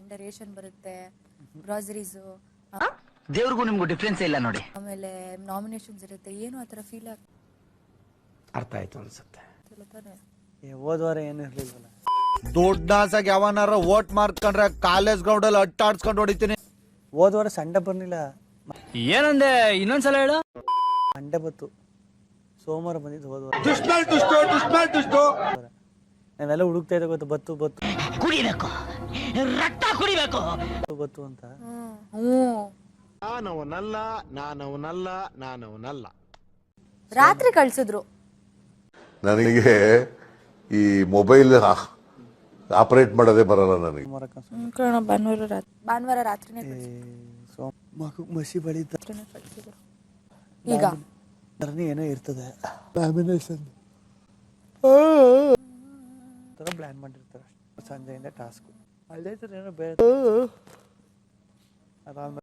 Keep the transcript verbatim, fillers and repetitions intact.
Sunday ration ಬರುತ್ತೆ, groceries, ದೇವ್ರಿಗೂ ನಿಮ್ಗೂ ಡಿಫ್ರೆನ್ಸ್ ಇಲ್ಲ ನೋಡಿ. ಆಮೇಲೆ ನಾಮಿನೇಷನ್ಸ್ ಇರುತ್ತೆ. ಏನು ಆತರ ಫೀಲ್ ಆಗ್ತಿಲ್ಲ ಅರ್ಥ ಆಯ್ತು ಅನ್ಸುತ್ತೆ. ತಾನೆ. ಹೋದ್ವಾರ ಏನು ಇರ್ಲಿಲ್ವಲ್ಲ. ದೊಡ್ಡಾಸಾಗಿ ಯಾವನಾರ ವೋಟ್ ಮಾಡ್ಕೊಂಡ್ರೆ ಕಾಲೇಜ್ ಗ್ರೌಂಡ್ ಅಲ್ಲಿ ಅಟ್ಟಾಡ್ಸ್ಕೊಂಡು ಹೊಡಿತೀನಿ. ಹೋದ್ವಾರ ಸಂಡೆ ಬರ್ಲಿಲ್ಲ. ಏನಂದೆ ಇನ್ನೊಂದ್ಸಲ ಹೇಳು. ಮಂಡೆ ಬತ್ತು, ಸೋಮವಾರ ಬಂದಿದ್ದು ಹೋದ್ವಾರ. ನಾವೆಲ್ಲ ಹುಡುಕ್ತಾ ಇದ್ದೆ ಗೊತ್ತು, ಬತ್ತು ಬತ್ತು ಕುಡಿಬೇಕು, ರಕ್ತ ಕುಡಿಬೇಕು ಬತ್ತು ಅಂತ. ನಾನವನಲ್ಲ ನಾನವನಲ್ಲ ನಾನವನಲ್ಲ ರಾತ್ರಿ ಕಳ್ಸಿದ್ರು. ನನಗೆ ಈ ಮೊಬೈಲ್ ಆಪರೇಟ್ ಮಾಡೋದೇ ಬರಲ್ಲ ನನಗೆ. ಭಾನುವಾರ ರಾತ್ರಿ ಭಾನುವಾರ ರಾತ್ರಿನೇ ಸೋಮ ಮಗು ಮಸಿ ಬಳಿತ ಕಳ್ಸಿದ್ರು. ಈಗ ಏನೋ ಇರ್ತದೆ, ಪ್ಲಾನ್ ಮಾಡಿರ್ತಾರೆ ಸಂಜೆಯಿಂದ ಟಾಸ್ಕ್. ಅಲ್ಲೇ ಏನೋ ಬೇರೆ ಆರಾಮ